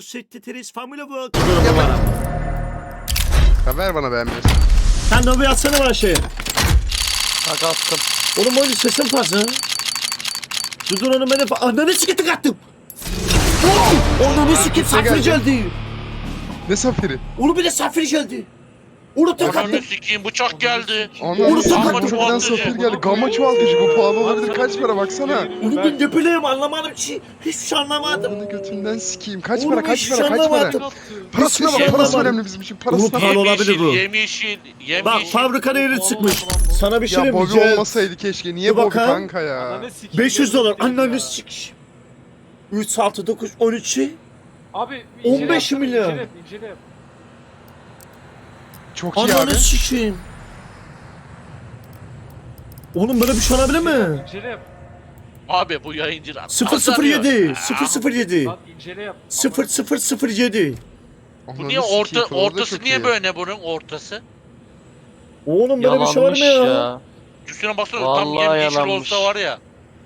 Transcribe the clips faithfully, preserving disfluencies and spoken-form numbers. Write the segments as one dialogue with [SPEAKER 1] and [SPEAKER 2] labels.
[SPEAKER 1] Setteteris Family World.
[SPEAKER 2] Ver bana beğenmiyorsun.
[SPEAKER 1] Sen de bir atsana bana şeyi.
[SPEAKER 3] Bak attım.
[SPEAKER 1] Oğlum oyun sesin fazla. Dur dur onu beni... Ananı siketi kattım. Ananı siketi safir geldi.
[SPEAKER 2] Ne safiri?
[SPEAKER 1] Onu bile safir geldi. Onu tek
[SPEAKER 4] Ananı
[SPEAKER 1] attım.
[SPEAKER 4] sikeyim bıçak geldi.
[SPEAKER 2] Anam
[SPEAKER 1] Onu
[SPEAKER 2] gamma
[SPEAKER 1] sakatladı.
[SPEAKER 2] çuvaldan safir geldi. Gamma çuvaltıcı bu pahalı olabilir. Kaç para baksana.
[SPEAKER 1] Onu ben ne bileyim anlamadım ki. Hiçbir şey anlamadım.
[SPEAKER 2] Bunu götünden sikeyim. Kaç
[SPEAKER 1] Oğlum
[SPEAKER 2] para kaç
[SPEAKER 1] hiçbir
[SPEAKER 2] para
[SPEAKER 1] şey
[SPEAKER 2] kaç para.
[SPEAKER 1] anlamadım.
[SPEAKER 2] Parasına
[SPEAKER 1] Hiçbir
[SPEAKER 2] bak
[SPEAKER 1] şey
[SPEAKER 2] parası
[SPEAKER 1] anlamadım.
[SPEAKER 2] önemli bizim için.
[SPEAKER 1] Oğlum
[SPEAKER 2] Parasına
[SPEAKER 1] pahalı
[SPEAKER 2] bak.
[SPEAKER 1] olabilir bu.
[SPEAKER 4] Yemyeşil, yemyeşil.
[SPEAKER 1] Bak fabrika değeri çıkmış. Sana bir şey
[SPEAKER 2] Ya
[SPEAKER 1] diyeyim mi?
[SPEAKER 2] Bobby
[SPEAKER 1] Cem?
[SPEAKER 2] olmasaydı keşke. Niye
[SPEAKER 1] Dur
[SPEAKER 2] Bobby
[SPEAKER 1] bakalım.
[SPEAKER 2] kanka ya?
[SPEAKER 1] beş yüz dolar. Ananı sik. üç, altı, dokuz, on üçü.
[SPEAKER 5] Abi
[SPEAKER 1] on beş milyon.
[SPEAKER 5] İncele, incele.
[SPEAKER 2] Çok iyi abi.
[SPEAKER 1] Ananı sikeyim. Oğlum böyle bir şey olabilir mi?
[SPEAKER 5] İncele yap.
[SPEAKER 4] Abi bu yayıncılar.
[SPEAKER 1] sıfır sıfır yedi. sıfır sıfır yedi.
[SPEAKER 5] Lan incele yap.
[SPEAKER 1] sıfır sıfır sıfır yedi.
[SPEAKER 4] Bu niye orta ortası niye böyle bunun ortası?
[SPEAKER 1] Oğlum böyle bir şey var
[SPEAKER 3] Yalanmış
[SPEAKER 1] mı ya?
[SPEAKER 4] ya. Üstüne baksana tam
[SPEAKER 3] Vallahi
[SPEAKER 4] yemyeşil
[SPEAKER 3] yalanmış.
[SPEAKER 4] olsa var ya.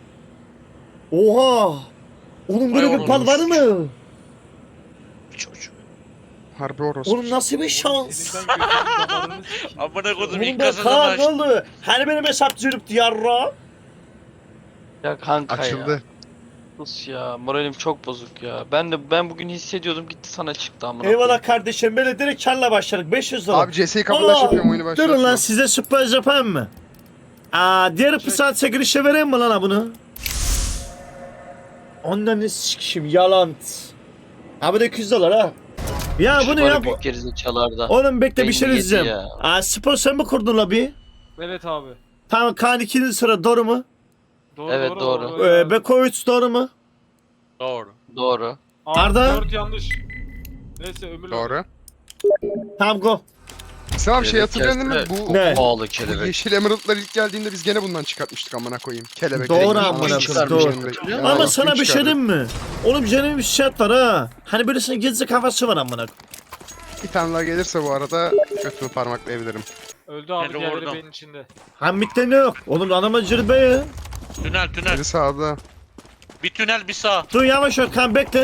[SPEAKER 1] Oha. Oğlum böyle
[SPEAKER 4] Vay
[SPEAKER 1] bir pal var mı?
[SPEAKER 4] Çocuk.
[SPEAKER 2] Harbi orospu.
[SPEAKER 1] Oğlum nasıl bir şans?
[SPEAKER 5] Elinden götürüp damarını sikeyim.
[SPEAKER 4] Amına kodum
[SPEAKER 1] Oğlum
[SPEAKER 4] ilk
[SPEAKER 1] ben
[SPEAKER 4] kasada
[SPEAKER 1] Kaan ne
[SPEAKER 4] baş.
[SPEAKER 1] oldu? Hani benim hesap cürüp yarra?
[SPEAKER 3] Ya kanka ya.
[SPEAKER 2] Açıldı.
[SPEAKER 3] Sus ya. Moralim çok bozuk ya. Ben de ben bugün hissediyordum gitti sana çıktı amına.
[SPEAKER 1] Eyvallah kardeşim böyle direkt karla başladık beş yüz dolar.
[SPEAKER 2] Abi C S'yi kapıdaş
[SPEAKER 1] Aa,
[SPEAKER 2] yapıyorum oyunu
[SPEAKER 1] Durun
[SPEAKER 2] başlatma.
[SPEAKER 1] lan size sürpriz yapayım mı? Aa diğer pısat çekilişe vereyim mi lan ha bunu? Ondan ne sikişim yalan. Abi de iki yüz dolar ha. Ya bunu yap.
[SPEAKER 3] Büyük gerizekalarda.
[SPEAKER 1] Oğlum bekle bir
[SPEAKER 3] Beyni
[SPEAKER 1] şey
[SPEAKER 3] yedi
[SPEAKER 1] diyeceğim.
[SPEAKER 3] ya.
[SPEAKER 1] Aa spor sen mi kurdun la bir?
[SPEAKER 5] Evet abi.
[SPEAKER 1] Tamam Kaan ikinci sıra doğru mu?
[SPEAKER 5] Doğru
[SPEAKER 3] Evet,
[SPEAKER 5] doğru.
[SPEAKER 3] doğru.
[SPEAKER 1] Ee, Beko üç doğru mu?
[SPEAKER 4] Doğru.
[SPEAKER 3] Doğru.
[SPEAKER 5] Abi,
[SPEAKER 1] Arda?
[SPEAKER 5] dört yanlış. Neyse ömürlü.
[SPEAKER 2] Doğru.
[SPEAKER 1] Tamam go.
[SPEAKER 2] Sen bir şey
[SPEAKER 3] Evet,
[SPEAKER 2] hatırladın mı?
[SPEAKER 3] evet.
[SPEAKER 2] Bu
[SPEAKER 1] Ne?
[SPEAKER 3] Pahalı
[SPEAKER 2] bu
[SPEAKER 3] kelebek.
[SPEAKER 2] yeşil emeraldlar ilk geldiğinde biz gene bundan çıkartmıştık amına koyayım. Kelebek.
[SPEAKER 1] Doğru
[SPEAKER 2] rengi.
[SPEAKER 1] amına
[SPEAKER 2] Kim
[SPEAKER 1] koyayım,
[SPEAKER 2] çıkarmış
[SPEAKER 3] doğru.
[SPEAKER 2] yani?
[SPEAKER 1] Ama
[SPEAKER 2] Ya,
[SPEAKER 1] sana
[SPEAKER 2] kim
[SPEAKER 1] bir şey
[SPEAKER 2] çıkardı?
[SPEAKER 1] diyeyim mi? Oğlum canım bir şart var ha. Hani böylesine gezecek havası var amına.
[SPEAKER 2] Bir tane daha gelirse bu arada götümü parmaklayabilirim.
[SPEAKER 5] Öldü abi
[SPEAKER 4] Beni
[SPEAKER 5] diğerleri
[SPEAKER 4] vurdum.
[SPEAKER 5] benim içinde.
[SPEAKER 1] Hamitte ne yok? Oğlum adama cırbe ya.
[SPEAKER 4] Tünel tünel.
[SPEAKER 2] Biri sağda.
[SPEAKER 4] Bir tünel bir sağ.
[SPEAKER 1] Dur yavaş ol kan bekle.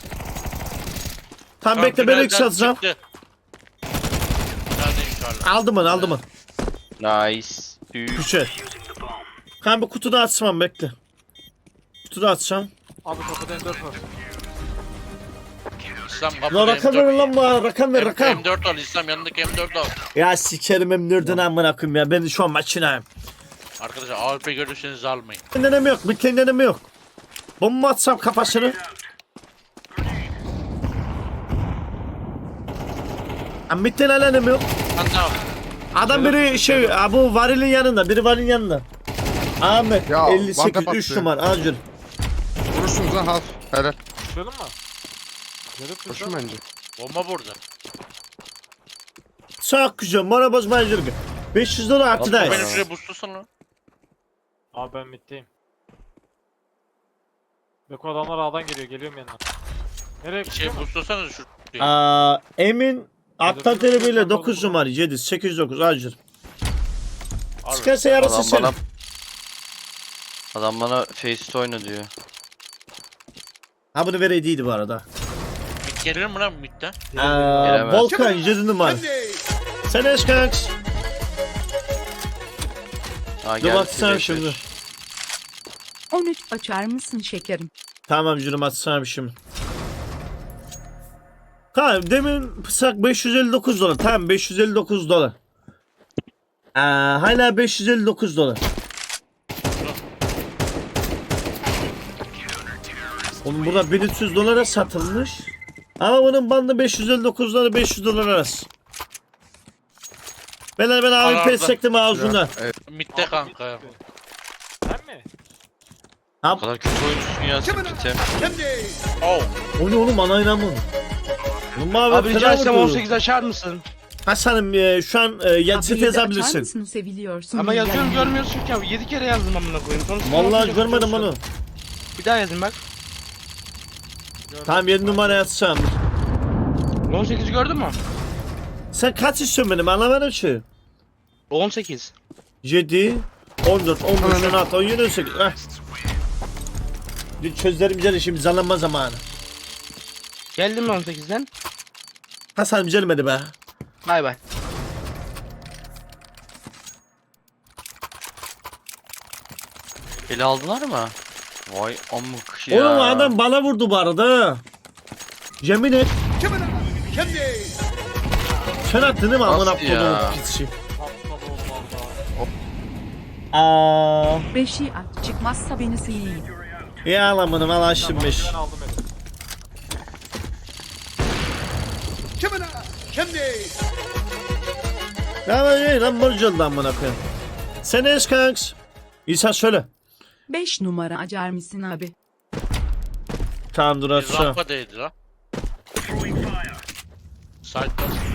[SPEAKER 1] Tam
[SPEAKER 4] Tam
[SPEAKER 1] bekle beni
[SPEAKER 4] tünelden
[SPEAKER 1] yükselteceğim.
[SPEAKER 4] çıktı. Tünelde inşallah.
[SPEAKER 1] Aldım onu aldım onu.
[SPEAKER 3] Nice. Düğün.
[SPEAKER 1] Güzel. Kan bir kutuda açmam bekle. Kutuda açacağım.
[SPEAKER 5] Abi kapıda M dört var.
[SPEAKER 4] İslam
[SPEAKER 1] Lan
[SPEAKER 4] kapıda
[SPEAKER 1] rakam ver
[SPEAKER 4] M dört.
[SPEAKER 1] lan bana rakam ver rakam.
[SPEAKER 4] M dört al İslam yanındaki M dört al.
[SPEAKER 1] Ya sikerim hem nerdin amına koyayım ya. Ben şu an maçınayım.
[SPEAKER 4] Arkadaşlar A W P görürseniz almayın.
[SPEAKER 1] Kendine mi yok? Bir kendine mi yok? Bomba atsam kafasını. Amit'ten alene mi yok?
[SPEAKER 4] Lan ne yap?
[SPEAKER 1] Adam biri şey ha, bu varilin yanında. Biri varilin yanında. Ahmet
[SPEAKER 2] Ya,
[SPEAKER 1] elli sekiz
[SPEAKER 2] banta
[SPEAKER 1] üç
[SPEAKER 2] battı.
[SPEAKER 1] numara acil.
[SPEAKER 2] Vurursunuz lan half. Helal.
[SPEAKER 5] Koşalım mı? Yarıp
[SPEAKER 2] Koşun bence.
[SPEAKER 4] Bomba burada.
[SPEAKER 1] Çok güzel. Mora bozmayıcılık. beş yüz dolar artıdayız.
[SPEAKER 4] Benim şuraya boostlasana lan.
[SPEAKER 5] Abi ben middeyim. Beko adamlar A'dan geliyor. Geliyorum yanına. Nereye
[SPEAKER 4] Şey
[SPEAKER 5] gidiyor?
[SPEAKER 4] boostlasana şu.
[SPEAKER 1] Aa, Emin Atlan
[SPEAKER 5] Hadi,
[SPEAKER 1] telebiyle
[SPEAKER 5] hadi,
[SPEAKER 1] dokuz
[SPEAKER 5] hadi.
[SPEAKER 1] numara yedi sekiz yüz dokuz acil.
[SPEAKER 4] Abi.
[SPEAKER 1] Çıkarsa yarısı
[SPEAKER 3] Adam
[SPEAKER 1] senin.
[SPEAKER 3] bana... Adam bana face oyna diyor.
[SPEAKER 1] Ha bunu vereydiydi bu arada.
[SPEAKER 4] Mid gelir mi lan midden?
[SPEAKER 1] Aa,
[SPEAKER 3] Gelemez.
[SPEAKER 1] Volkan yedi numara. Sen eş kanks.
[SPEAKER 3] Ha,
[SPEAKER 1] Dur
[SPEAKER 3] geldi
[SPEAKER 1] baksana
[SPEAKER 3] direkt
[SPEAKER 1] şimdi.
[SPEAKER 3] beş.
[SPEAKER 6] on üç açar mısın şekerim?
[SPEAKER 1] Tamam canım atsana bir şimdi. Tamam demin pısak beş yüz elli dokuz dolar. Tamam beş yüz elli dokuz dolar. Aa, hala beş yüz elli dokuz dolar. Oğlum burada bin üç yüz dolara satılmış. Ama bunun bandı beş yüz elli dokuz dolar beş yüz dolar arası. Ben ben A W P
[SPEAKER 4] Arada.
[SPEAKER 1] sektim ağzından.
[SPEAKER 2] Evet.
[SPEAKER 4] Midde kanka ya.
[SPEAKER 5] Sen mi?
[SPEAKER 3] O kadar kötü oyuncusun ya Spritem.
[SPEAKER 4] Oh.
[SPEAKER 1] O ne oğlum ana inanmam. Oğlum abi,
[SPEAKER 7] Abi rica
[SPEAKER 1] fena
[SPEAKER 7] etsem
[SPEAKER 1] vurdu.
[SPEAKER 7] on sekiz açar mısın?
[SPEAKER 1] Hasan'ım e, şu an e, yazısı
[SPEAKER 6] Abi, açar
[SPEAKER 1] yazabilirsin.
[SPEAKER 6] mısın seviliyorsun?
[SPEAKER 7] Ama yazıyorum
[SPEAKER 6] Yani.
[SPEAKER 7] görmüyorsun ki abi. yedi kere yazdım amına koyayım. Sonra
[SPEAKER 1] Vallahi
[SPEAKER 7] on sekiz
[SPEAKER 1] görmedim
[SPEAKER 7] yazıyorum.
[SPEAKER 1] onu.
[SPEAKER 7] Bir daha yazın bak.
[SPEAKER 1] Tamam yedi numara yatsam.
[SPEAKER 7] on sekizi gördün mü?
[SPEAKER 1] Sen kaç istiyorsun benim anlamadım ki.
[SPEAKER 7] on sekiz.
[SPEAKER 1] yedi, on dört, on beş,
[SPEAKER 2] Anladım.
[SPEAKER 1] on altı, on yedi, on sekiz. Heh. Bir çözerim güzel işim zalanma zamanı.
[SPEAKER 7] Geldim mi on sekizden?
[SPEAKER 1] Hasan gelmedi be.
[SPEAKER 7] Bay bay.
[SPEAKER 3] Eli aldılar mı? Vay amık ya.
[SPEAKER 1] Oğlum adam bana vurdu bu arada. Yemin et. Sen attın değil mi amına
[SPEAKER 3] Nasıl ya?
[SPEAKER 1] koduğum pisçi?
[SPEAKER 5] Patladı oğlum valla.
[SPEAKER 1] Aa,
[SPEAKER 6] Beşi at. Çıkmazsa beni sileyim.
[SPEAKER 1] iyi alamını al açtım beş.
[SPEAKER 5] Ben aldım eli.
[SPEAKER 1] Ya lan lan borcu oldu amına koyayım. Sen es kanks. İsa söyle.
[SPEAKER 6] Beş numara açar mısın abi?
[SPEAKER 1] Tamam dur
[SPEAKER 4] Bir
[SPEAKER 1] aşağı.
[SPEAKER 4] rampa değdi lan. Side'da.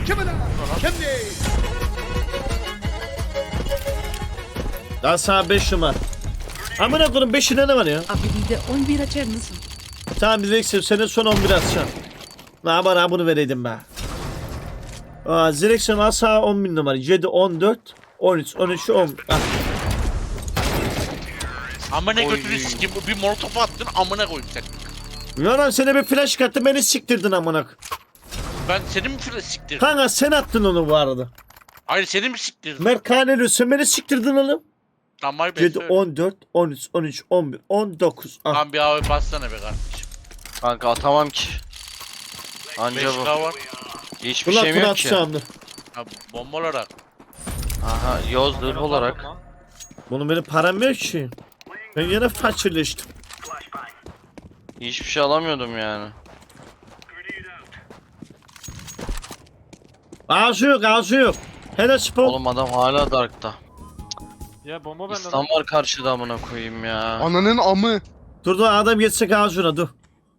[SPEAKER 1] Daha sana beş numara. Amına koyayım beşinde ne var ya?
[SPEAKER 6] Abi bir de on bir açar mısın?
[SPEAKER 1] Tamam Zirex'im senin son on bir atacağım. Ne bana bunu vereydim be. Aa Zirex'im asa on bin numara. yedi, on dört, on üç, on üç, on. Ah.
[SPEAKER 4] Amına
[SPEAKER 3] Oy.
[SPEAKER 4] götünü sikeyim. Bir molotof attın amına koyayım sen.
[SPEAKER 1] Yalan sana bir flash kattı beni siktirdin amına.
[SPEAKER 4] Ben seni mi file siktirdim?
[SPEAKER 1] Kanka sen attın onu bu arada.
[SPEAKER 4] Hayır seni mi siktirdim?
[SPEAKER 1] Mert Kaneli sen beni siktirdin oğlum.
[SPEAKER 4] Tamam ben
[SPEAKER 1] yedi,
[SPEAKER 4] söyle.
[SPEAKER 1] on dört, on üç, on üç, on bir, on dokuz. Ah.
[SPEAKER 4] Lan bir abi bassana be kardeşim.
[SPEAKER 3] Kanka atamam ki. Anca
[SPEAKER 4] beş
[SPEAKER 3] bu.
[SPEAKER 4] K var.
[SPEAKER 3] Hiçbir
[SPEAKER 1] Ulan
[SPEAKER 3] şeyim
[SPEAKER 1] bunu
[SPEAKER 3] yok ki.
[SPEAKER 1] atacağım dur.
[SPEAKER 4] Ha, bomba olarak.
[SPEAKER 3] Aha yoz zırh olarak.
[SPEAKER 1] Bunun benim param yok ki. Ben yine fakirleştim.
[SPEAKER 3] Hiçbir şey alamıyordum yani.
[SPEAKER 1] Ağzı yok ağzı yok. Hele spor.
[SPEAKER 3] Oğlum adam hala Dark'ta.
[SPEAKER 5] Ya bomba bende
[SPEAKER 3] İslam
[SPEAKER 5] lan.
[SPEAKER 3] var karşıda amına koyayım ya.
[SPEAKER 2] Ananın amı.
[SPEAKER 1] Dur dur adam geçsek ağzına dur.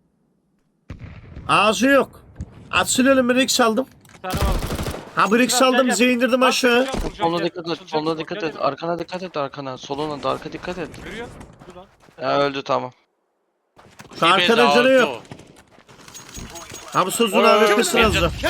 [SPEAKER 1] Ağzı yok. Atsın ölüm bir X aldım.
[SPEAKER 5] Bir tane var.
[SPEAKER 1] Ha bir X
[SPEAKER 5] Gel,
[SPEAKER 1] aldım
[SPEAKER 5] gel, gel.
[SPEAKER 1] bize indirdim aşağı.
[SPEAKER 5] Vuracağım, vuracağım,
[SPEAKER 3] Soluna
[SPEAKER 5] gel.
[SPEAKER 3] dikkat et,
[SPEAKER 5] Açılacak
[SPEAKER 3] soluna
[SPEAKER 5] bu,
[SPEAKER 3] dikkat
[SPEAKER 5] gel,
[SPEAKER 3] et,
[SPEAKER 5] gel.
[SPEAKER 3] arkana dikkat et, arkana, soluna da arka dikkat et.
[SPEAKER 5] Yürüyor. Dur lan.
[SPEAKER 3] Ya öldü tamam.
[SPEAKER 1] Şu arkada canı yok. Ha bu sözün
[SPEAKER 4] Oy,
[SPEAKER 1] abi
[SPEAKER 4] çok
[SPEAKER 1] kısır
[SPEAKER 4] beğendim.
[SPEAKER 1] azdı.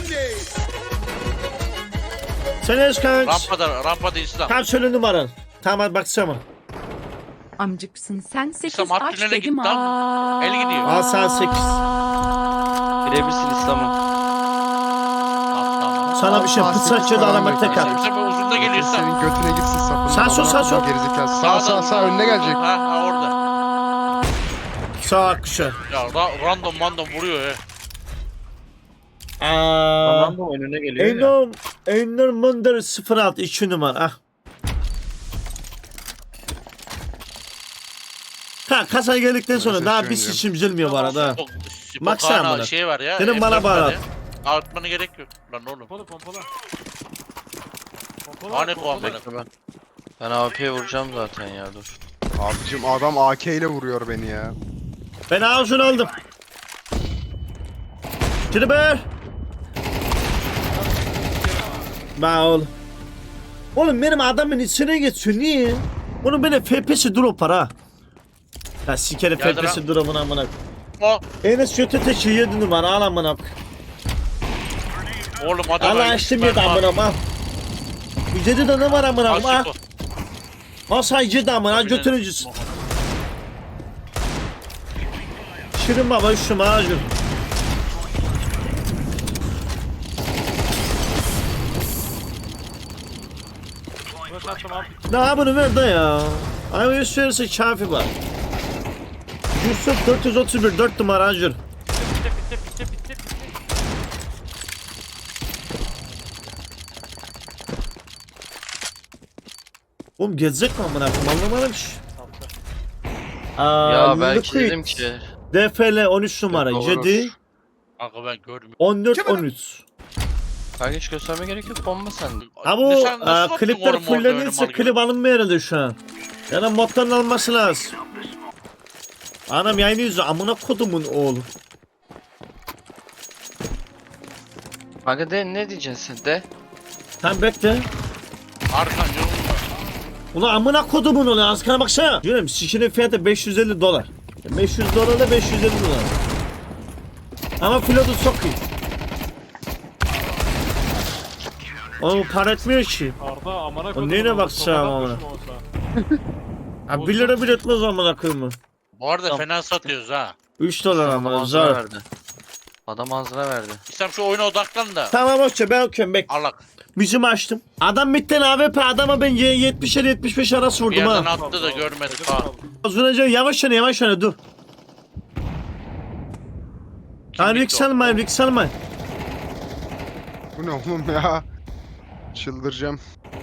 [SPEAKER 1] Sen eş kanks.
[SPEAKER 4] Rampada, rampada İslam.
[SPEAKER 1] Tam söyle numaran. Tamam hadi baksana.
[SPEAKER 6] Amcıksın sen sekiz
[SPEAKER 4] İslam, at
[SPEAKER 6] aç
[SPEAKER 4] tünele
[SPEAKER 6] dedim.
[SPEAKER 4] git lan.
[SPEAKER 6] Aa.
[SPEAKER 4] El gidiyor.
[SPEAKER 1] Al sen sekiz.
[SPEAKER 3] Birebirsin İslam'ım.
[SPEAKER 1] Sana bir şey
[SPEAKER 2] Sağ
[SPEAKER 1] pıtsaççı
[SPEAKER 2] sekiz
[SPEAKER 1] da
[SPEAKER 2] falan
[SPEAKER 1] aramak tek
[SPEAKER 2] bekliyor.
[SPEAKER 1] at.
[SPEAKER 4] Sen uzunda geliyorsan.
[SPEAKER 2] Senin götüne gitsin sapın.
[SPEAKER 1] Sağ sol, sağ sol.
[SPEAKER 2] Gerizekalı. Sağ sağ sağ önüne gelecek.
[SPEAKER 4] Ha, ha orada.
[SPEAKER 1] Sağ akışa.
[SPEAKER 4] Ya ra- random random vuruyor ya.
[SPEAKER 1] Aaa.
[SPEAKER 7] Tamam da önüne geliyor ya.
[SPEAKER 1] Enom. Enom Munder sıfır altı iki numara. Ah. Ha kasaya geldikten sonra
[SPEAKER 2] Neyse,
[SPEAKER 1] daha
[SPEAKER 2] şu
[SPEAKER 1] bir
[SPEAKER 2] an
[SPEAKER 1] seçim üzülmüyor bu arada. ha.
[SPEAKER 4] Spokana
[SPEAKER 1] Baksana bana.
[SPEAKER 4] şey var ya.
[SPEAKER 1] Senin bana
[SPEAKER 4] M dört var
[SPEAKER 1] bağlat.
[SPEAKER 4] ya. Artmana gerek yok. Lan oğlum.
[SPEAKER 5] Pompalı pompalı. Pompalı.
[SPEAKER 4] Hani
[SPEAKER 5] pompalı.
[SPEAKER 4] kovan
[SPEAKER 3] Bekle ben. Ben A P'ye vuracağım zaten ya dur.
[SPEAKER 2] Abicim adam A K ile vuruyor beni ya.
[SPEAKER 1] Ben ağzını aldım. Triber. Ba oğlum. Oğlum benim adamın içine geçiyor niye? Onun benim F P S drop var ha. Ya sikerim F
[SPEAKER 4] Geldi
[SPEAKER 1] P S
[SPEAKER 4] lan.
[SPEAKER 1] drop'unu amına.
[SPEAKER 4] O,
[SPEAKER 1] Enes kötü teşi yedi numara al amına.
[SPEAKER 4] oğlum adam
[SPEAKER 1] Allah
[SPEAKER 4] öyle
[SPEAKER 1] açtım
[SPEAKER 4] süper
[SPEAKER 1] yedi
[SPEAKER 4] var.
[SPEAKER 1] amına al. Yüzede de ne var amına
[SPEAKER 4] Al
[SPEAKER 1] ha?
[SPEAKER 4] şu-
[SPEAKER 1] Al sayıcı da amına
[SPEAKER 4] Tabii
[SPEAKER 1] götürücüsün. Şirin baba şu macun.
[SPEAKER 5] Flash attım abi.
[SPEAKER 1] Daha bunu ver de ya. Ay yüz verirse kafi var. Yusuf dört yüz otuz bir dört numara acır.
[SPEAKER 5] Bitti bitti bitti bitti bitti.
[SPEAKER 1] Oğlum gezecek mi amına koyayım anlamadım ki.
[SPEAKER 5] Attı.
[SPEAKER 1] Aa,
[SPEAKER 3] Ya belki
[SPEAKER 1] Liquid.
[SPEAKER 3] dedim ki.
[SPEAKER 1] D F L on üç numara
[SPEAKER 3] Doğru.
[SPEAKER 1] yedi
[SPEAKER 4] Kanka ben görmüyorum.
[SPEAKER 1] on dört on üç.
[SPEAKER 3] Kanka hiç gösterme gerek yok, bomba sende.
[SPEAKER 1] Ha
[SPEAKER 4] Ne
[SPEAKER 1] bu
[SPEAKER 4] sen nasıl
[SPEAKER 1] aa,
[SPEAKER 4] attın
[SPEAKER 1] klipler
[SPEAKER 4] oğlum orada öyle
[SPEAKER 1] fullenirse
[SPEAKER 4] mal gibi?
[SPEAKER 1] klip alınmıyor herhalde şu an. Yani moddan alması lazım. Anam yayını yüzü amına kodumun oğlu.
[SPEAKER 3] Kanka de ne diyeceksin sen de?
[SPEAKER 1] Tam bekle.
[SPEAKER 4] Arkan yolunda.
[SPEAKER 1] Ulan amına kodumun oğlu askana baksana. Diyorum şişinin fiyatı beş yüz elli dolar. beş yüz dolar da beş yüz elli dolar. Ama pilotu çok iyi. Oğlum para etmiyor ki.
[SPEAKER 5] Arda amına
[SPEAKER 1] O
[SPEAKER 5] koydum.
[SPEAKER 1] neyine
[SPEAKER 5] onu,
[SPEAKER 1] bakacağım
[SPEAKER 5] sokadan
[SPEAKER 1] amına?
[SPEAKER 5] düşme olsa.
[SPEAKER 1] Ha bir lira bile etmez amına koyayım.
[SPEAKER 4] Bu arada
[SPEAKER 3] Tamam.
[SPEAKER 4] fena satıyoruz ha.
[SPEAKER 1] üç dolar ama
[SPEAKER 3] Tamam,
[SPEAKER 1] zar.
[SPEAKER 3] verdi. Adam ağzına verdi.
[SPEAKER 4] İslam şu oyuna odaklan da.
[SPEAKER 1] Tamam hoşça ben okuyorum bek.
[SPEAKER 4] Allah.
[SPEAKER 1] Müziğimi açtım. Adam bitten A W P adama ben yetmişe yetmiş beş arası
[SPEAKER 4] Bir
[SPEAKER 1] vurdum
[SPEAKER 4] yerden
[SPEAKER 1] ha.
[SPEAKER 4] attı da görmedik ha.
[SPEAKER 1] Uzunca yavaş yana yavaş yana dur. Ha
[SPEAKER 4] bitti
[SPEAKER 1] Rick
[SPEAKER 4] o?
[SPEAKER 1] salmayın Rick salmayın.
[SPEAKER 2] Bu ne oğlum ya? Çıldıracağım.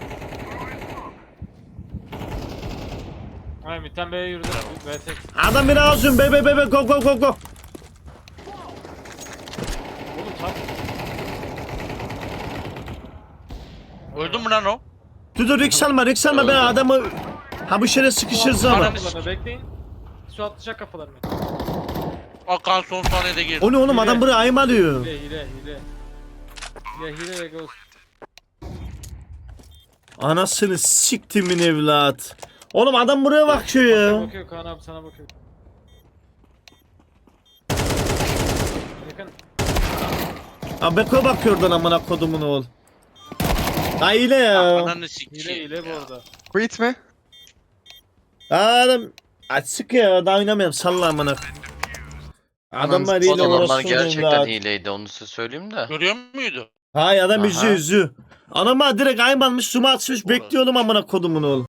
[SPEAKER 5] Hayır midden B'ye yürüdü. B tek.
[SPEAKER 1] Adam beni ağzım be be be be go go go go.
[SPEAKER 5] Oğlum tam.
[SPEAKER 4] Öldü mü lan o?
[SPEAKER 1] Dur dur Rick salma Rick salma ben adamı. Ha bu şere sıkışırız ama.
[SPEAKER 4] Ananı
[SPEAKER 5] Kapılarına bekleyin. Su atlayacak kapılarını.
[SPEAKER 4] Akan son saniyede girdi.
[SPEAKER 1] O ne oğlum adam buraya ayım alıyor.
[SPEAKER 5] Hile hile hile. Hile hile ve ghost.
[SPEAKER 1] Anasını siktimin evlat. Oğlum adam buraya bakıyor
[SPEAKER 5] Sana
[SPEAKER 1] ya.
[SPEAKER 5] bakıyor Kaan abi sana bakıyor. Yakın.
[SPEAKER 1] Ha Beko bakıyor oradan amına kodumun oğul. Ha hile ya.
[SPEAKER 4] Ananı
[SPEAKER 5] Hile
[SPEAKER 4] sikeyim.
[SPEAKER 5] hile bu
[SPEAKER 4] ya.
[SPEAKER 5] arada.
[SPEAKER 2] Quit mi?
[SPEAKER 1] Ha adam. Açık ya daha oynamayalım salla amına. Adamlar hile
[SPEAKER 3] Adamlar
[SPEAKER 1] orası
[SPEAKER 3] gerçekten
[SPEAKER 1] evlat.
[SPEAKER 3] hileydi onu size söyleyeyim de.
[SPEAKER 4] Görüyor muydu?
[SPEAKER 1] Hay adam
[SPEAKER 3] Aha.
[SPEAKER 1] yüzü yüzü. Anama direkt ayım almış suma atmış bekliyorum amına kodumun oğul.